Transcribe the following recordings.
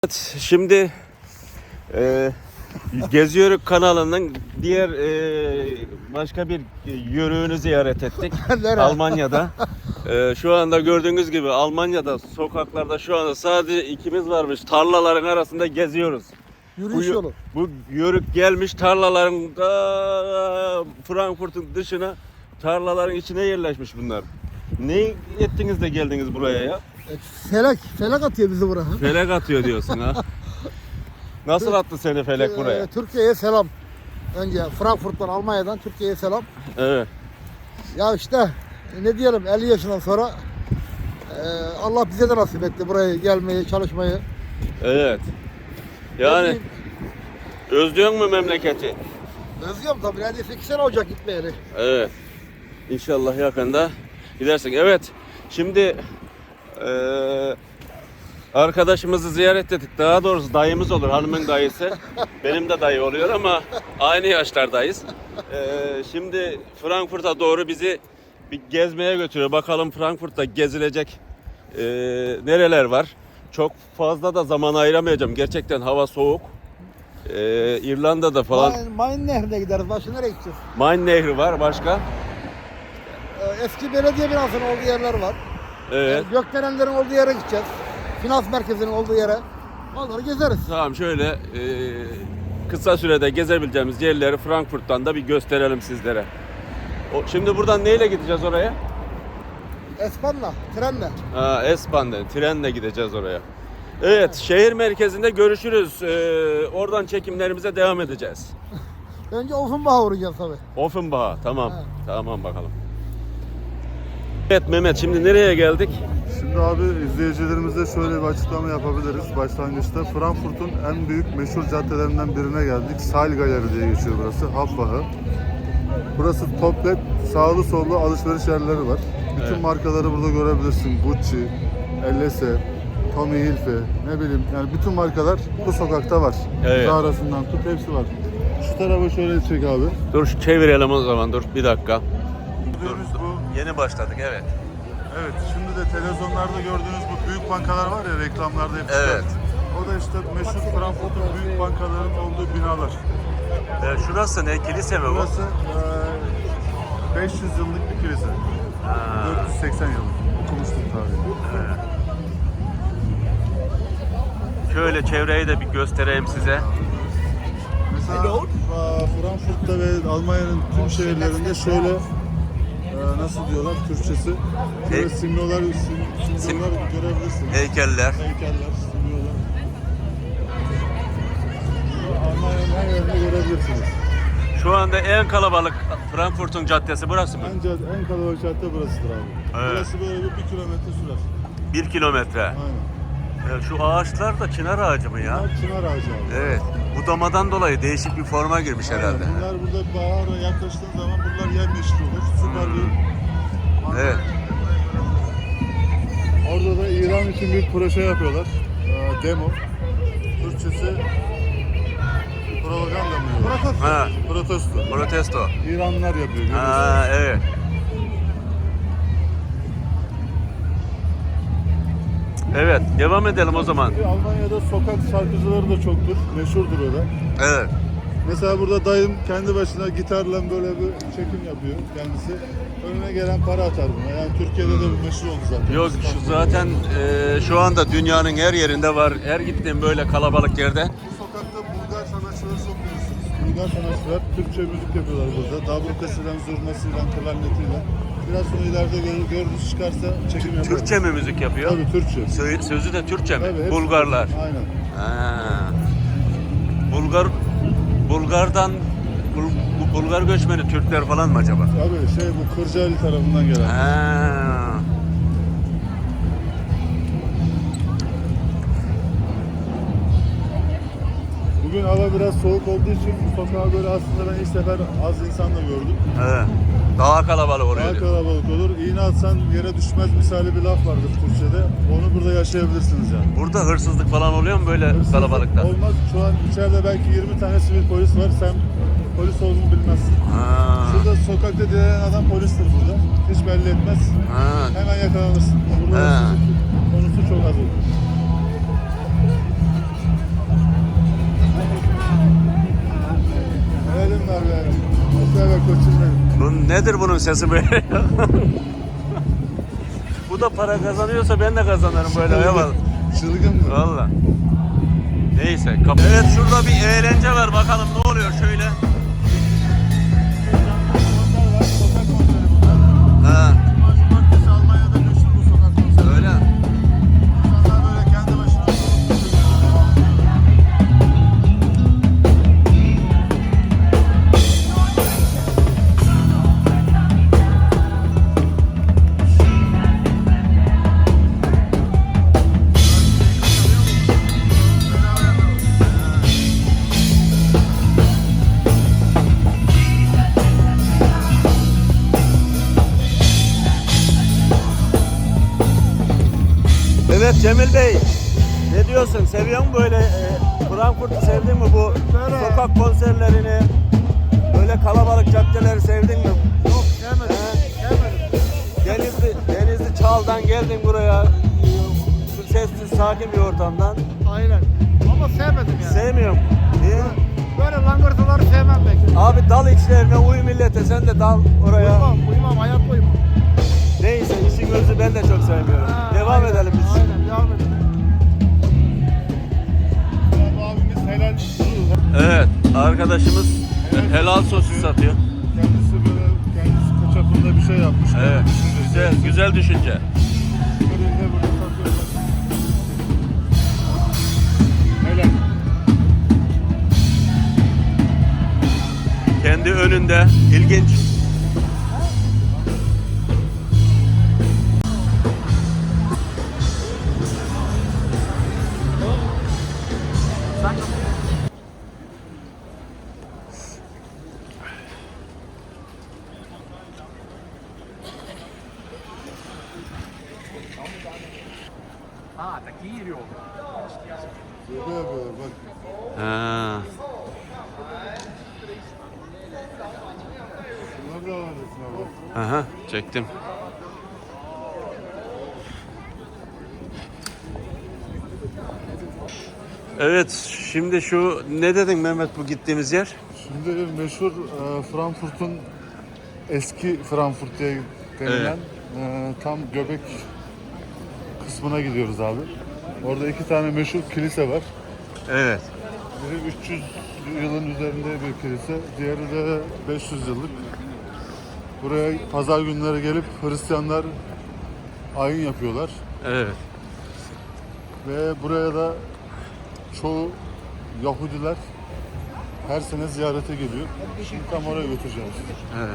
Evet, şimdi Geziyoruz kanalının diğer başka bir yörüğünü ziyaret ettik. Almanya'da. Şu anda gördüğünüz gibi Almanya'da sokaklarda şu anda sadece ikimiz varmış. Tarlaların arasında geziyoruz. Yürüyüş yolu. Bu yörük gelmiş tarlaların da Frankfurt'un dışına, tarlaların içine yerleşmiş bunlar. Ne ettiniz de geldiniz buraya ya? Felek atıyor bizi buraya. Felek atıyor diyorsun ha. Nasıl attı seni felek buraya? Türkiye'ye selam. Önce Frankfurt'tan, Almanya'dan Türkiye'ye selam. Evet. Ya işte ne diyelim, 50 yaşından sonra Allah bize de nasip etti buraya gelmeyi, çalışmayı. Evet. Yani özlüyor mu memleketi? Özlüyorum tabii. Neredeyse 2 sene olacak gitmeyeli. Evet. İnşallah yakında gidersin. Evet. Şimdi arkadaşımızı ziyaret ettik. Daha doğrusu dayımız olur. Hanımın dayısı. Benim de dayı oluyor ama aynı yaşlardayız. Şimdi Frankfurt'a doğru bizi bir gezmeye götürüyor. Bakalım Frankfurt'ta gezilecek nereler var. Çok fazla da zaman ayıramayacağım. Gerçekten hava soğuk. İrlanda'da falan. Main Nehri'ne gideriz. Başka nereye gideceğiz? Main Nehri var. Başka? Eski belediye binasının olduğu yerler var. Evet. Gökdelenlerin olduğu yere gideceğiz. Finans merkezinin olduğu yere. Onları gezeriz. Tamam, şöyle kısa sürede gezebileceğimiz yerleri Frankfurt'tan da bir gösterelim sizlere. Şimdi buradan neyle gideceğiz oraya? Espanla, trenle. S-Bahn'la, trenle gideceğiz oraya. Evet, şehir merkezinde görüşürüz. Oradan çekimlerimize devam edeceğiz. Önce Offenbach'a uğrayacağız tabii. Offenbach, tamam. Evet. Tamam bakalım. Evet Mehmet, şimdi nereye geldik? Şimdi abi izleyicilerimize şöyle bir açıklama yapabiliriz başlangıçta. Frankfurt'un en büyük meşhur caddelerinden birine geldik. Saal Galeri diye geçiyor burası. Hauptwache. Burası toplet, sağlı sollu alışveriş yerleri var. Bütün Evet. markaları burada görebilirsin. Gucci, LS, Tommy Hilfiger, ne bileyim yani bütün markalar bu sokakta var. Evet. Zara'sından tut hepsi var. Şu tarafa şöyle çek abi. Dur çevirelim o zaman, dur bir dakika. Gördüğünüz bu. Yeni başladık, evet. Evet, şimdi de televizyonlarda gördüğünüz bu büyük bankalar var ya, reklamlarda hep çıkar. Evet. O da işte meşhur Frankfurt'un büyük bankaların olduğu binalar. Şurası ne? Kilise mi bu? Burası 500 yıllık bir kilise. 480 yıllık. Okumuştum tarihi. Şöyle çevreyi de bir göstereyim size. Mesela Frankfurt'ta ve Almanya'nın tüm şehirlerinde şöyle nasıl diyorlar Türkçesi? Böyle simyolar görebilirsiniz. Heykeller. Heykeller, simyolar. Almanya'nın her yerini görebilirsiniz. Şu anda en kalabalık Frankfurt'un caddesi burası mı? En kalabalık cadde burasıdır abi. Evet. Burası böyle bir kilometre sürer. 1 kilometre. Aynen. Şu ağaçlar da çınar ağacı mı ya? Bunlar çınar ağacı abi. Evet. Budamadan dolayı değişik bir forma girmiş herhalde. Bunlar burada bahara yaklaştığın zaman bunlar yemyeşil olur. Süper bir manzara. Evet. Orada da İran için bir proje yapıyorlar. Demo. Türkçesi propaganda mı diyorlar? Ha, Protesto. protesto. İranlılar yapıyor. görüyorsun. Ha, evet. Evet, devam edelim o zaman. Almanya'da sokak şarkıcıları da çoktur. Meşhurdur o da. Evet. Mesela burada dayım kendi başına gitarla böyle bir çekim yapıyor kendisi. Önüne gelen para atar buna. Yani Türkiye'de de bu meşhur oldu zaten. Yok, şu zaten şu anda dünyanın her yerinde var. Her gittiğim böyle kalabalık yerde. Bu sokakta Bulgar sanatçıları çok görürsünüz. Bulgar sanatçılar Türkçe müzik yapıyorlar burada. Dabrukasıyla, zurnasıyla, klarnetiyle. Biraz sonra ileride gördüğünüz çıkarsa çekim yapıyor. Türkçe mi müzik yapıyor? Tabii Türkçe. Sözü de Türkçe mi? Tabii, hepsi- Bulgarlar. Aynen. Ha. Bulgar'dan Bulgar göçmeni Türkler falan mı acaba? Tabii bu Kırcaali tarafından gelen. Ha. Bugün hava biraz soğuk olduğu için bu sokağa böyle aslında ben ilk sefer az insan da gördüm. Evet. Daha kalabalık oluyor. Daha kalabalık olur. İğne atsan yere düşmez misali bir laf vardır Türkçe'de. Onu burada yaşayabilirsiniz yani. Burada hırsızlık falan oluyor mu böyle Hırsızlık kalabalıkta? Olmaz. Şu an içeride belki 20 tane sivil polis var. Sen polis olduğunu bilmezsin. Ha. Şurada sokakta dilenen adam polistir burada. Hiç belli etmez. Ha. Hemen yakalanırsın. Burada Ha. hırsızlık konusu çok az olur. Nedir bunun sesi böyle? Bu da para kazanıyorsa ben de kazanırım böyle. Eyvallah. Çılgın mı? Valla. Neyse. Evet, şurada bir eğlence var. Bakalım ne oluyor şöyle. Ha. Cumartesi Almanya'da meşhur bu sokak konseri. Öyle. İnsanlar böyle kendi başına. Evet Cemil Bey. Ne diyorsun? Seviyor musun böyle Frankfurt'u sevdin mi bu Böyle. sokak konserlerini? Böyle kalabalık caddeleri sevdin mi? Yok sevmedim. Sevmedim. Denizli Çağal'dan geldin buraya. Sessiz, sakin bir ortamdan. Aynen. Ama sevmedim yani. Sevmiyorum. Niye? Böyle langırtıları sevmem pek. Abi dal içlerine uy millete, sen de dal oraya. Uyumam, hayat uyumam. Neyse, işin özü ben de çok sevmiyorum. Devam Aynen, edelim biz. Aynen, devam edelim. Abimiz helal. Evet, arkadaşımız helal sosu satıyor. Kendisi böyle kendisi çapında bir şey yapmış. Evet, güzel düşünce. Böyle burada satıyor. Helal. Kendi önünde, ilginç. Böyle böyle bak. Ha. Bunlar da var resim abi. Aha, çektim. Evet, şimdi şu ne dedin Mehmet bu gittiğimiz yer? Şimdi meşhur Frankfurt'un eski Frankfurt diye denilen tam göbek kısmına gidiyoruz abi. Orada iki tane meşhur kilise var. Evet. Biri 300 yılın üzerinde bir kilise, diğeri de 500 yıllık. Buraya pazar günleri gelip Hristiyanlar ayin yapıyorlar. Evet. Ve buraya da çoğu Yahudiler her sene ziyarete geliyor. Şimdi tam oraya götüreceğim sizi. Evet.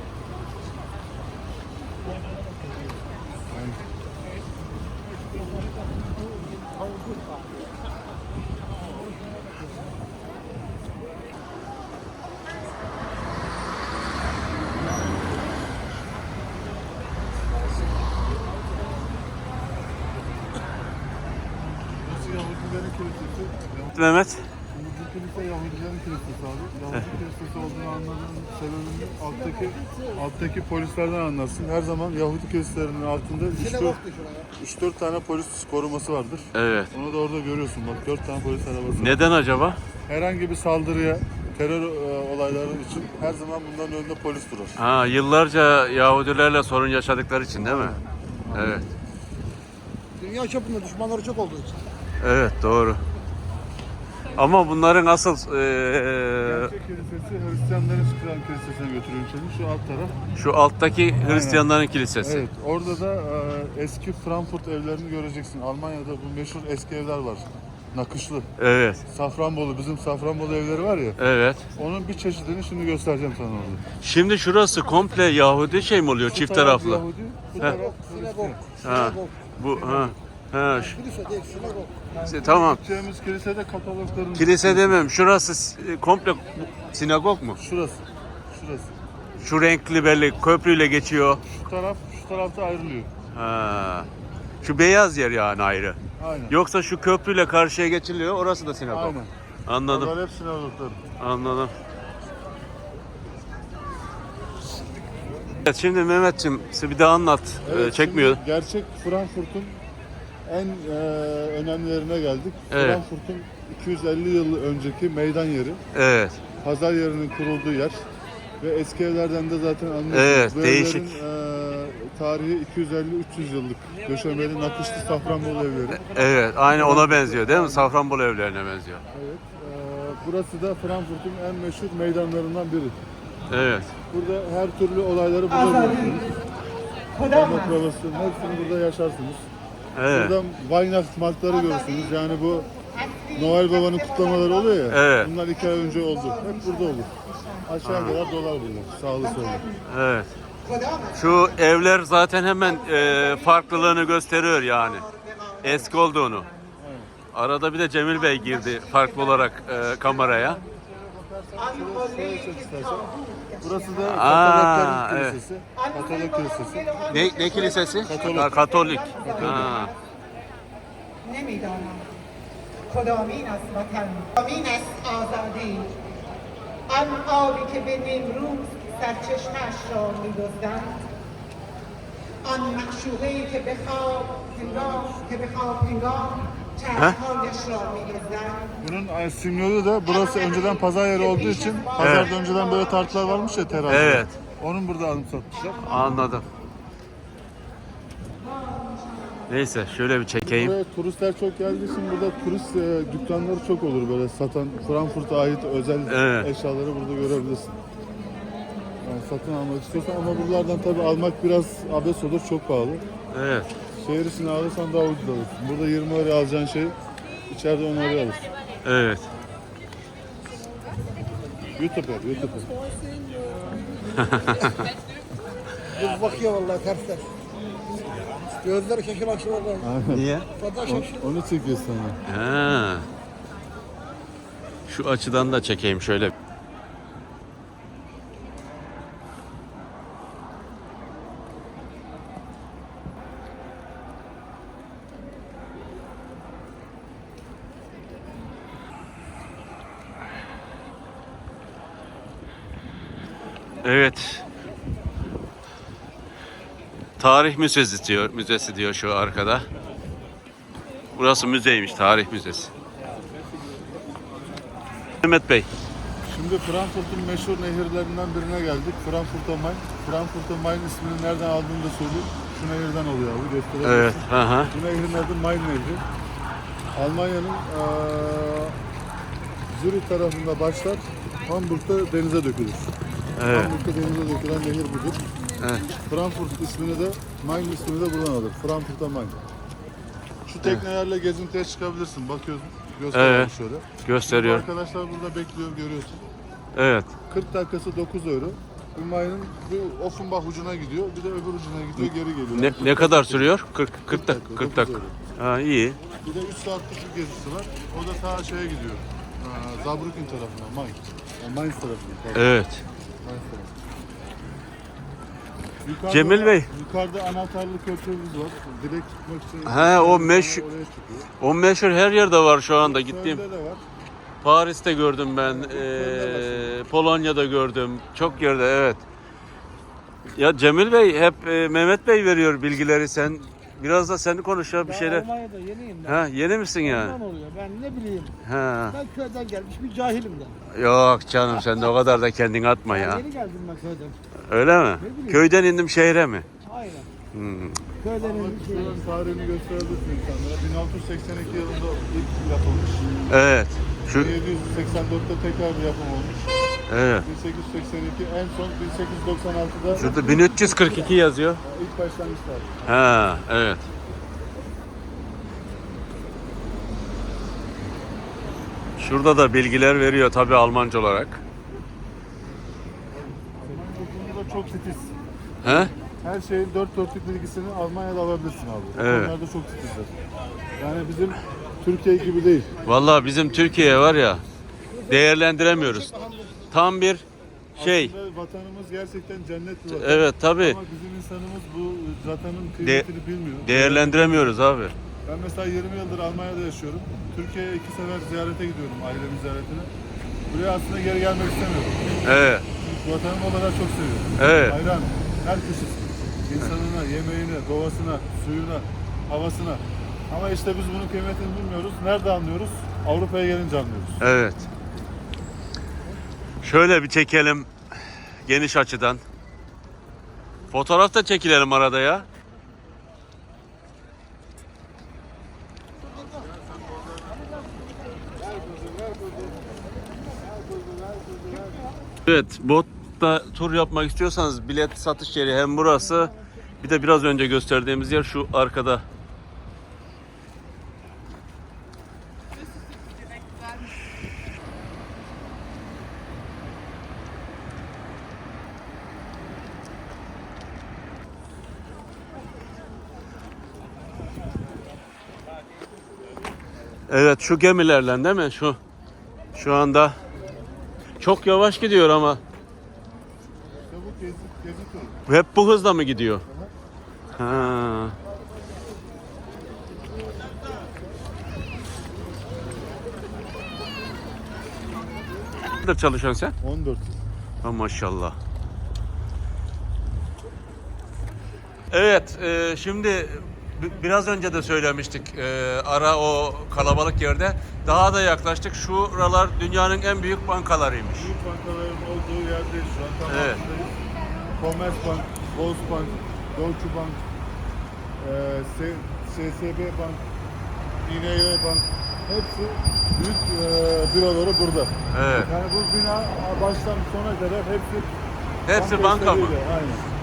Burası Yahudilerin kilisesi. Mehmet. Şimdi bu kilise Yahudilerin kilisesi abi. Yahudi kilisesi olduğunu anladığım sebebini alttaki polislerden anlarsın. Her zaman Yahudi kiliselerinin altında 3-4 tane polis koruması vardır. Evet. Onu da orada görüyorsun bak, 4 tane polis arabası var. Neden acaba? Herhangi bir saldırıya, terör olayları için her zaman bunların önünde polis durur. Ha, yıllarca Yahudilerle sorun yaşadıkları için değil mi? Evet. Dünya çapında düşmanları çok olduğu için. Evet, doğru. Ama bunların asıl Gerçek kilisesi Hristiyanların çıkan kilisesine götürüyorum seni. Şu alt taraf. şu alttaki Hristiyanların kilisesi. Evet. Orada da eski Frankfurt evlerini göreceksin. Almanya'da bu meşhur eski evler var. Nakışlı. Evet. Safranbolu, bizim Safranbolu evleri var ya. Evet. Onun bir çeşidini şimdi göstereceğim sana orada. Şimdi şurası komple Yahudi şey mi oluyor? Bu Çift taraf taraflı. Yahudi, bu taraf Sinagog. Hristiyan. Ha. Sinagog. Bu ha. Kilise değil, sinagog. Tamam. Gideceğimiz kilisede Katoliklerin... Kilise demem. Şurası komple sinagog mu? Şurası. Şurası. Şu renkli belli köprüyle geçiyor. Şu tarafta ayrılıyor. Ha. Şu beyaz yer yani ayrı. Aynen. Yoksa şu köprüyle karşıya geçiliyor. Orası da sinagog. Aynen. Anladım. Bunlar hep sinagoglar. Anladım. Evet, şimdi Mehmetciğim bir daha anlat. Çekmiyor. Şimdi gerçek Frankfurt'un en önemlilerine geldik. Evet. Frankfurt'un 250 yıl önceki meydan yeri. Evet. Pazar yerinin kurulduğu yer. Ve eski evlerden de zaten anlıyorsunuz. Evet, Bu değişik. evlerin, tarihi 250-300 yıllık. Döşemeli, nakışlı Safranbolu evleri. Evet, aynı ona benziyor değil mi? Safranbolu evlerine benziyor. Evet. Burası da Frankfurt'un en meşhur meydanlarından biri. Evet. Burada her türlü olayları burada görürsünüz. Demokrasinin hepsini burada yaşarsınız. Evet. Burada Weihnachtsmarktları görürsünüz. Yani bu Noel Baba'nın kutlamaları oluyor ya. Evet. Bunlar 2 ay önce oldu. Hep burada olur. Aşağı kadar dolar bunlar. Sağlı sollu. Evet. Şu evler zaten hemen farklılığını gösteriyor yani. Eski olduğunu. Arada bir de Cemil Bey girdi farklı olarak kameraya. Şöyle çek istersen. Burası da Aa, Katoliklerin evet. kilisesi. Katolik kilisesi. Ne kilisesi? Katolik. Ha, Katolik. Ha. نمیدانم کدامین است وطن کدامین است آزادی آن آبی که به نیمروز سرچشمه‌اش را می‌دزدند آن معشوقه‌ای که به خواب هنگام چشمهایش را می‌دزدند Bunun simyolu da burası önceden pazar yeri olduğu için pazarda önceden böyle tartılar varmış ya terazi. Evet. Onun burada anımsatmışlar. Anladım. Neyse şöyle bir çekeyim. Buraya turistler çok geldiği için burada turist dükkanları çok olur böyle satan Frankfurt'a ait özel Evet. eşyaları burada görebilirsin. Yani satın almak istiyorsan ama buralardan tabii almak biraz abes olur, çok pahalı. Evet. Şehir içine alırsan daha ucuz alırsın. Burada 20 liraya alacağın şey içeride 10 liraya alırsın. Evet. YouTuber. Kız bakıyor vallahi tersler. Gözleri şaşır akşam vallahi. Niye? Fazla şaşır. Onu çekiyor sana. Ha. Şu açıdan da çekeyim şöyle. Evet. Tarih müzesi diyor şu arkada. Burası müzeymiş, tarih müzesi. Mehmet Bey. Şimdi Frankfurt'un meşhur nehirlerinden birine geldik. Frankfurter Main. Frankfurter Main ismini nereden aldığını da söyleyeyim. Şu nehirden oluyor abi, gösterebilirsin. Evet. Aha. Bu nehrin adı Main Nehri. Almanya'nın Zürich tarafında başlar, Hamburg'da denize dökülür. Evet. Hamburg'da denize dökülen nehir budur. Evet. Frankfurt ismini de, Main ismini de buradan alır. Frankfurter Main. Şu teknelerle gezintiye çıkabilirsin. Bakıyorsun, gösteriyor Evet. şöyle. Gösteriyor. Bu arkadaşlar burada bekliyor, görüyorsun. Evet. 40 dakikası 9 euro. Bu Main'in bir Offenbach ucuna gidiyor, bir de öbür ucuna gidiyor, geri geliyor. Ne kadar sürüyor? 40 dakika. 40 dakika. 9 euro. Ha, iyi. Bir de 3 saatlik bir gezisi var. O da ta şeye gidiyor. Saarbrücken tarafına, Mainz. Yani Mainz tarafına. Pardon. Evet. Mainz tarafına. Yukarıda, Cemil Bey. Yukarıda anahtarlı köprümüz var. Direkt çıkmak için. He, o meşhur- Oraya çıkıyor. O meşhur her yerde var şu anda gittiğim. Köln'de de var. Paris'te gördüm ben. Polonya'da gördüm. Çok yerde evet. Ya Cemil Bey hep Mehmet Bey veriyor bilgileri, sen biraz da sen konuş ya bir şeyler. Almanya'da yeniyim ben. Ha, yeni misin yani? Ondan oluyor. Ben ne bileyim. Ha. Ben köyden gelmiş bir cahilim de. Yok canım, sen de o kadar da kendini atma ya. Yeni geldim ben köyden. Öyle mi? bileyim. Köyden indim şehre mi? Aynen. Hmm. Köyden Ama bir şey. buranın tarihini gösterebilirsin insanlara. 1682 yılında ilk yapılmış. Evet. Şu 1784'te tekrar bir yapım olmuş. evet. 1882 en son 1896'da Şurada 1342 yazıyor. ilk başlangıç tarihi. Ha, evet. Şurada da bilgiler veriyor tabii Almanca olarak. Burada çok titiz. He? Her şeyin dört dörtlük bilgisini Almanya'da alabilirsin abi. Evet. Onlar da çok titizler. Yani bizim Türkiye gibi değil. Vallahi bizim Türkiye var ya, değerlendiremiyoruz. Tam bir şey. Aslında vatanımız gerçekten cennet bir vatan. Evet tabii. Ama bizim insanımız bu vatanın kıymetini bilmiyor. Değerlendiremiyoruz abi. Ben mesela 20 yıldır Almanya'da yaşıyorum. Türkiye'ye 2 sefer ziyarete gidiyorum, ailemin ziyaretine. Buraya aslında geri gelmek istemiyorum. Evet. Çünkü vatanımı o kadar çok seviyorum. Evet. Hayran, her köşesi. İnsanına, yemeğine, doğasına, suyuna, havasına. Ama işte biz bunun kıymetini bilmiyoruz. Nerede anlıyoruz? Avrupa'ya gelince anlıyoruz. Evet. Şöyle bir çekelim. Geniş açıdan. Fotoğraf da çekilelim arada ya. Evet, botta tur yapmak istiyorsanız bilet satış yeri hem burası, bir de biraz önce gösterdiğimiz yer şu arkada. Evet, şu gemilerle değil mi? Şu anda çok yavaş gidiyor ama İşte bu gezi turu. hep bu hızla mı gidiyor? Ha. Nerede çalışıyorsun sen? 14. Ha, maşallah. Evet, şimdi biraz önce de söylemiştik, ara o kalabalık yerde daha da yaklaştık. Şuralar dünyanın en büyük bankalarıymış. Büyük bankaların olduğu yerdeyiz şu an. Tam Evet. altındayız. Commerzbank, Volksbank, Deutsche Bank, SSB Bank, İNG Bank, hepsi büyük büroları burada. Evet. Yani bu bina baştan sona kadar Hepsi banka mı? işleriyle, aynen.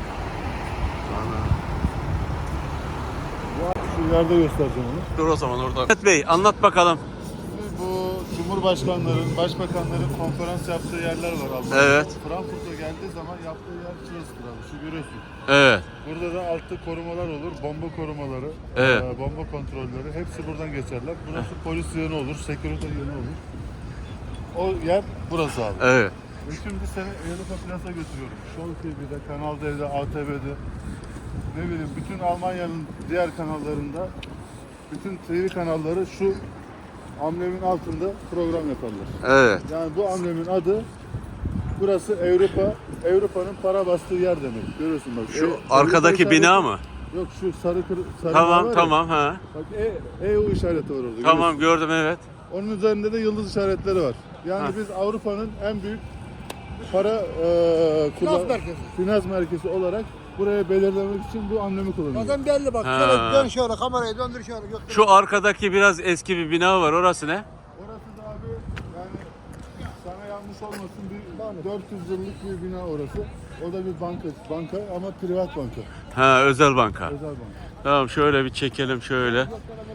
Şu ileride göstereceğim onu. Dur o zaman orada. Evet Bey, anlat bakalım. Bu Cumhurbaşkanların, başbakanların konferans yaptığı yerler var abi. Evet. Frankfurt'a geldiği zaman yaptığı yer şurasıdır abi. Şu görüyorsun. Evet. Burada da altta korumalar olur, bomba korumaları, Evet. bomba kontrolleri hepsi buradan geçerler. Burası polis yönü olur, sekürite yönü olur. O yer burası abi. Evet. Ve şimdi seni Europa Plus'a götürüyorum. Show TV'de, Kanal D'de, ATV'de, ne bileyim bütün Almanya'nın diğer kanallarında, bütün TV kanalları şu amblemin altında program yaparlar. Evet. Yani bu amblemin adı, burası Avrupa'nın para bastığı yer demek. Görüyorsun bak. Şu Avrupa arkadaki işareti- bina mı? Yok şu sarı var Tamam, ya. tamam ha. Bak EU işareti var orada. Tamam, görüyorsun. gördüm evet. Onun üzerinde de yıldız işaretleri var. Yani Ha. biz Avrupa'nın en büyük para finans merkezi olarak buraya belirlemek için bu amblemi kullanıyoruz. Zaten belli bak. Ha. Şöyle dön şöyle kamerayı döndür şöyle. Göster. Şu arkadaki biraz eski bir bina var, orası ne? Orası da abi yani sana yanlış olmasın bir 400 yıllık bir bina orası. O da bir banka ama privat banka. Ha, özel banka. Özel banka. Tamam, şöyle bir çekelim şöyle.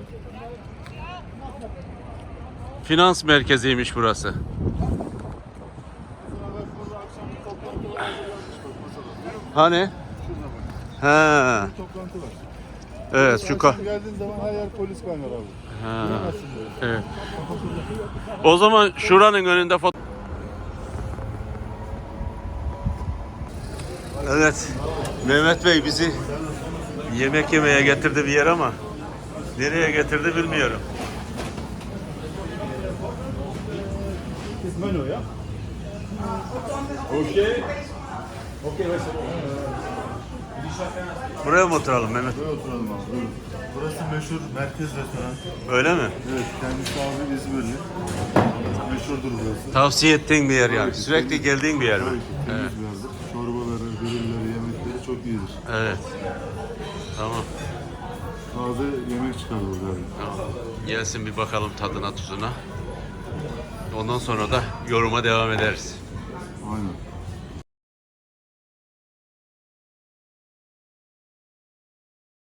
Finans merkeziymiş burası. Mesela bak burada akşam bir toplantı var. Hazırlanmış bak masada. Hani? Şurada bak. Ha, Bir toplantı var. evet şu Akşam geldiğin zaman her yer polis kaynar abi. Ha, Giremezsin böyle. evet. O zaman şuranın önünde foto... Evet, Mehmet Bey bizi yemek yemeye getirdi bir yer ama nereye getirdi bilmiyorum. Menü ya. Buraya mı oturalım Mehmet? Buraya oturalım abi. Buyurun. Burası meşhur merkez restoran. Öyle mi? Evet, kendisi abi İzmirli. Meşhurdur burası. Tavsiye ettiğin bir yer yani. Tabii ki, Sürekli temiz. geldiğin bir yer mi? Tabii ki, temiz Evet. bir yerdir. Çorbaları, grillleri, yemekleri çok iyidir. Evet. Tamam. Taze yemek çıkar burada abi. Tamam. Gelsin bir bakalım tadına tuzuna. Ondan sonra da yoruma devam ederiz. Aynen.